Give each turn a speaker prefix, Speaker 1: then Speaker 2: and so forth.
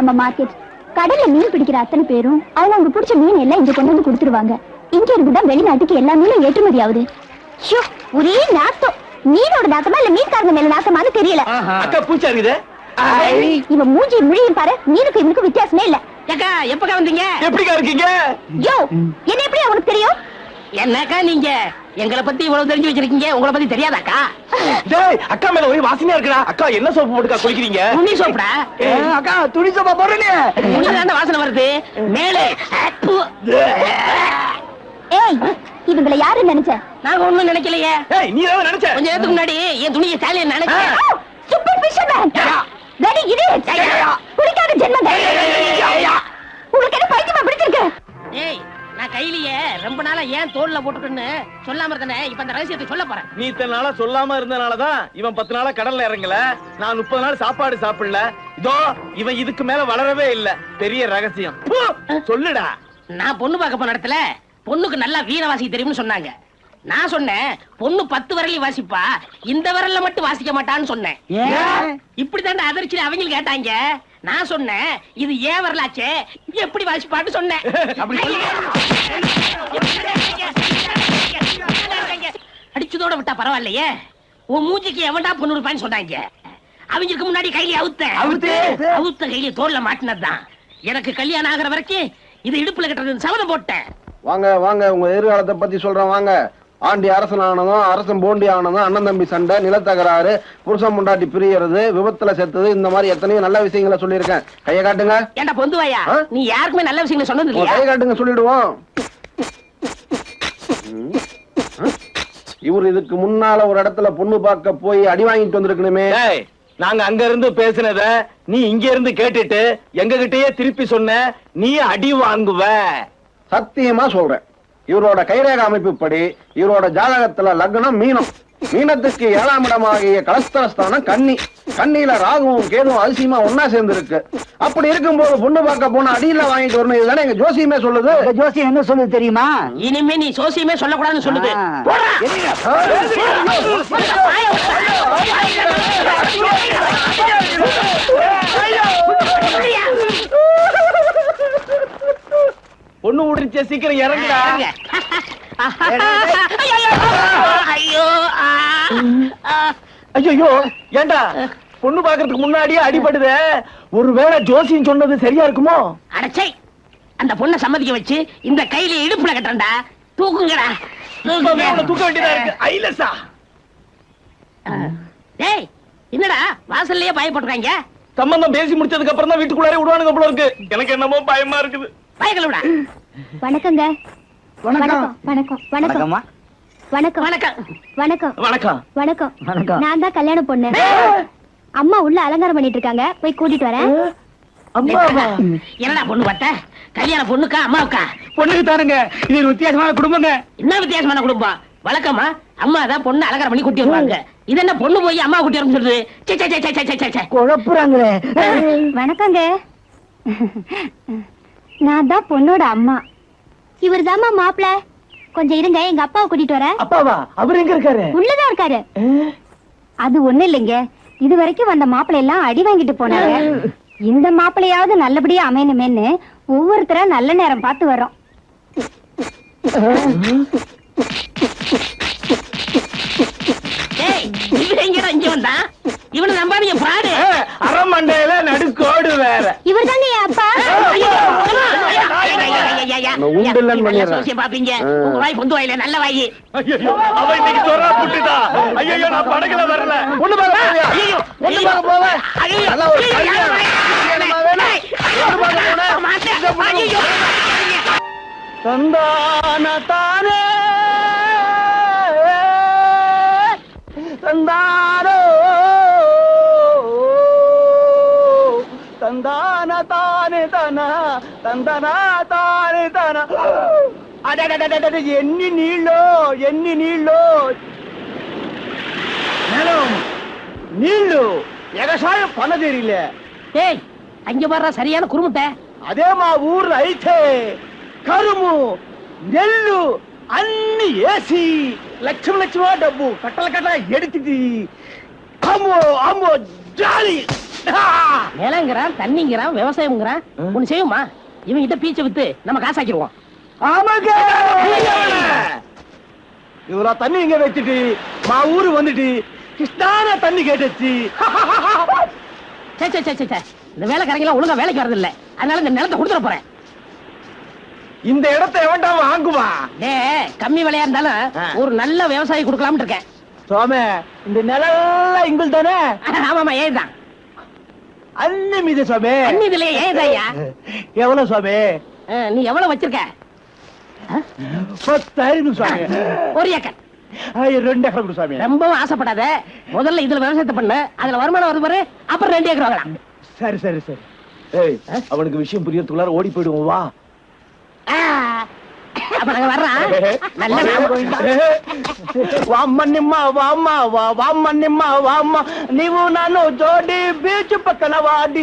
Speaker 1: நம்ம மார்க்கெட். கடல்ல மீன் பிடிக்கிற அத்தனை பேரும் அவங்க பிடிச்ச மீன் எல்லாம் இங்க கொண்டு வந்து கொடுத்துருவாங்க. இங்க இருந்துதான் வெளிநாட்டுக்கு எல்லா மீனும் ஏற்றுமதி ஆகுது. ஒரே நாத்தம். மீனோட நாத்தமா இல்ல மீன்காரங்க மேல நாத்தமானு தெரியல.
Speaker 2: அக்கா பூச்சா இருக்குது.
Speaker 1: இவன் மூஞ்சி முழியும் பாரு. மீனுக்கு இவனுக்கு வித்தியாசமே இல்ல.
Speaker 3: அக்கா எப்பக்கா வந்தீங்க?
Speaker 2: எப்படிக்கா இருக்கீங்க?
Speaker 1: யோ என்ன எப்படி அவனுக்கு தெரியும்?
Speaker 3: என்னக்கா நீங்க எங்களை பத்தி இவ்வளவு தெரிஞ்சு வச்சிருக்கீங்க, உங்களை பத்தி தெரியாதாக்கா?
Speaker 2: டேய் அக்கா மேல ஒரே வாசனையா இருக்குடா. அக்கா என்ன சோப்பு போட்டுக்கா குளிக்கிறீங்க?
Speaker 3: துணி சோப்புடா.
Speaker 2: அக்கா துணி சோப்பா போடுறீங்க.
Speaker 3: துணில வாசனை வருது மேலே.
Speaker 1: ஏய் இவங்களை யாரு நினைச்ச?
Speaker 3: நாங்க ஒண்ணும் நினைக்கலையே.
Speaker 2: ஏய் நீ என்ன நினைச்ச?
Speaker 3: கொஞ்ச நேரத்துக்கு முன்னாடி என் துணியை சாலியன் நினைச்சேன்.
Speaker 1: Super fisherman. வெரி இது குளிக்காத ஜென்மம். உங்களுக்கு என்ன பைத்தியமா பிடிச்சிருக்கு?
Speaker 3: ஏய் நான் கையிலேயே ரொம்ப நாளா ஏன் தோல்ல போட்டுக்கன்னு சொல்லாம இருந்தனே, இப்ப அந்த ரகசியத்தை சொல்ல போறேன்.
Speaker 2: நீ இத்தனை நாளா சொல்லாம இருந்தனாலதான் இவன் 10 நாளா கடல்ல இறங்கல. நான் 30 நாள் சாப்பாடு சாப்பிடல. இதோ இவன் இதுக்கு மேல வளரவே இல்ல. பெரிய ரகசியம் சொல்லுடா.
Speaker 3: நான் பொண்ணு பார்க்க போன இடத்துல பொண்ணுக்கு நல்லா வீணை வாசிக்க தெரியும்னு சொன்னாங்க. நான் சொன்னேன் பொண்ணு 10 விரலையும் வாசிப்பா, இந்த விரல்ல மட்டும் வாசிக்க மாட்டான்னு சொன்னேன். இப்படிதான் அதிர்ச்சியில அவங்க கேட்டாங்க. நான் சொன்னேன் இது ஏன் வரலாச்சே, எப்படி வாசிப்பான்னு சொன்னேன். அடிச்சதோட விட்டா பரவாயில்லையே, உன் மூஞ்சிக்கு எவன்டா பொண்ணு இருப்பான்னு சொன்னாங்க. அவங்களுக்கு முன்னாடி கையில அவுத்த கையில தோல்ல மாட்டினதுதான். எனக்கு கல்யாணம் ஆகிற வரைக்கும் இது இடுப்புல கட்டுறது சபதம் போட்டேன்.
Speaker 4: வாங்க வாங்க, உங்க எதிர்காலத்தை பத்தி சொல்றேன் வாங்க. ஆண்டி அரசன் ஆனதும் அரசன் போண்டி ஆனதும் அண்ணன் தம்பி சண்டை, நிலத்தகராறு, புருஷன் முண்டாட்டி பிரியறது, விபத்துல செத்தது, இந்த மாதிரி எத்தனையோ நல்ல விஷயங்களை சொல்லியிருக்கேன். கையை காட்டுங்க.
Speaker 3: ஏண்டா பொந்துவாயா, நீ யாருக்குமே நல்ல விஷயங்களை சொன்னது இல்லையா?
Speaker 4: கையை காட்டுங்க சொல்லிடுவோம். இவர் இதுக்கு முன்னால ஒரு இடத்துல பொண்ணு பார்க்க போய் அடி வாங்கிட்டு வந்திருக்கணுமே.
Speaker 2: நாங்க அங்க இருந்து பேசினத நீ இங்க இருந்து கேட்டுட்டு எங்க கிட்டயே திருப்பி சொன்ன, நீ அடி வாங்குவ.
Speaker 4: சத்தியமா சொல்றேன், இவரோட கைரேக அமைப்புப்படி இவரோட ஜாதகத்துல லக்னம் மீனம், மீனத்துக்கு 7ஆம் இடமாகிய கலஸ்தரஸ்தானம் கன்னி, கன்னியில ராகுவும் கேதுவும் அதிசயமா ஒன்னா சேர்ந்து இருக்கு. அப்படி இருக்கும்போது பொண்ணு பார்க்க போன அடியில வாங்கிட்டு வரணும். இதுதானே எங்க ஜோசியமே சொல்லுது.
Speaker 5: ஜோசியம் என்ன சொல்லுது தெரியுமா?
Speaker 3: இனிமே நீ ஜோசியமே சொல்லக்கூடாதுன்னு சொல்லுது.
Speaker 2: பொண்ணு உடிச்ச சீக்கிரம் இறங்குடா.
Speaker 3: ஐயோ
Speaker 2: ஐயோ ஏண்டா பொண்ணு பாக்குறதுக்கு முன்னாடியே அடிபடுதே. ஒருவேளை ஜோசியம் சொன்னது சரியா இருக்குமோ?
Speaker 3: அடச்சை, அந்த பொண்ணை சம்மதிக்க வச்சு இந்த கையில இடுப்புல கட்டண்டா. தூக்குங்கடா.
Speaker 2: தூக்க வேண்டியதா இருக்கு. ஐலசா
Speaker 3: டேய் என்னடா வாசல்லயே பயப்படுறாங்க?
Speaker 2: சம்பந்தம் பேசி முடிச்சதுக்கு அப்புறம் தான் வீட்டுக்குள்ளாரே விடுவானுங்க போல இருக்கு. எனக்கு என்னமோ பயமா இருக்குது.
Speaker 3: பயக்கலடா.
Speaker 1: வணக்கங்க. வணக்கம் வணக்கம் வணக்கம் வணக்கம் வணக்கம் வணக்கம் வணக்கம் வணக்கம். நான் தான் கல்யாண பொண்ணு. அம்மா உள்ள அலங்காரம் பண்ணிட்டு இருக்காங்க, போய் கூட்டிட்டு வரேன்.
Speaker 3: என்னடா பொண்ணு பார்த்த? கல்யாண பொண்ணுக்கா அம்மாவுக்கா?
Speaker 5: பொண்ணுக்கு தாருங்க. இது ஒரு வித்தியாசமான குடும்பங்க.
Speaker 3: என்ன வித்தியாசமான குடும்பம்? வழக்கமா அம்மா தான் பொண்ணு அலங்காரம் பண்ணி கூட்டி வருவாங்க. இது என்ன பொண்ணு போய் அம்மா கூட்டி வரும் சொல்றது?
Speaker 5: குழப்புறாங்களே.
Speaker 1: வணக்கங்க. நான் தான் பொண்ணோட அம்மா. இவர் தாமா மாப்பிள்ள. கொஞ்சம் இருங்க, எங்க அப்பாவை கூட்டிட்டு வரேன்.
Speaker 2: அப்பாவா? அவர் எங்க இருக்காரு?
Speaker 1: உள்ளதான் இருக்காரு. அது ஒண்ணு இல்லைங்க, இது வரைக்கும் வந்த மாப்பிள்ளை எல்லாம் அடி வாங்கிட்டு போனாங்க. இந்த மாப்பிள்ளையாவது நல்லபடியா அமையணுமேன்னு ஒவ்வொருத்தரா நல்ல நேரம் பார்த்து வரோம்.
Speaker 3: இங்க வந்தா இவனை நம்பாதீங்க, பிராடு.
Speaker 2: அரமண்டையில நடுக்கோடு வேற.
Speaker 1: இவர் தானே அப்பா.
Speaker 3: பாப்பீங்க உங்க வாய் பொந்து வாயில நல்ல வாயி.
Speaker 2: அவ இன்னைக்கு சொரா புட்டுதா. ஐயோ நான் படகுல வரல. பொண்ணு பாக்க ஐயோ பொண்ணு பாக்க போவேன். நல்ல ஒரு கல்யாணம் தந்தான தானே தந்தானோ தந்தான தானே தானா தந்தனா தானே தானா. ఎన్ని నీళ్ళు మేడం నీళ్ళు ఎగసాయం పనదేరిలే.
Speaker 3: ஏய் அங்க வர்ற சரியான குறுமுட்டை.
Speaker 2: అదే మా ఊర్లో అయితే కరుము నెల్లు అన్ని ఏసి లక్షల డబ్బు కట్టల ఎడితిది. అమ్మో అమ్మో జాలి
Speaker 3: நிலங்கிறான், தண்ணிங்கிறான், விவசாயம்ங்கிறான். ஒண்ணு செய்யுமா, இவன் கிட்ட பீச்சை வித்து நம்ம காசாக்கிடுவோம்.
Speaker 5: ஆமாங்க. இவரா தண்ணி இங்க வச்சுட்டு மா ஊரு வந்துட்டு கிருஷ்ணான தண்ணி கேட்டுச்சு.
Speaker 3: சே, சே, சே, சே, சே. இந்த வேலைக்காரங்க ஒழுங்கா வேலைக்கு வரது இல்ல, அதனால இந்த நிலத்தை கொடுத்துட போறேன்.
Speaker 5: இந்த இடத்தை எவன்டா வாங்குவா?
Speaker 3: டேய், கம்மி விலையா இருந்தாலும் ஒரு நல்ல விவசாயி கொடுக்கலாம்னு இருக்கேன்.
Speaker 5: சுவாமி, இந்த நிலம் எங்கள் தானே?
Speaker 3: ஆமாமா, ஏதான்
Speaker 5: அண்ணி மீது சுவாமி.
Speaker 3: அண்ணி இதுலயே ஏதாயா?
Speaker 5: எவ்வளவு சுவாமி?
Speaker 3: நீ எவ்வளவு வச்சிருக்க?
Speaker 5: 10,000 சுவாமி.
Speaker 3: ஒரு ஏக்கர்.
Speaker 5: 2 ஏக்கர் கொடு சுவாமி.
Speaker 3: ரொம்பவும் ஆசைப்படாத, முதல்ல இதுல விவசாயத்தை பண்ணு, அதுல வருமானம் வருது பாரு, அப்புறம் 2 ஏக்கர் வாங்கலாம்.
Speaker 5: சரி சரி சரி. ஏய், அவனுக்கு விஷயம் புரியறதுக்குள்ளார ஓடி போயிடுவோம் வா.
Speaker 3: அப்ப நாங்க வர்றோம். நல்ல
Speaker 5: ವಾಮನಿಮ್ಮ ವಾಮ ವಾಮನಿಮ್ಮ ವಾಮ ನೀವು ನಾನು ಜೋಡಿ ಬೀಚ್ ಪಕ್ಕನ ವಾಡಿ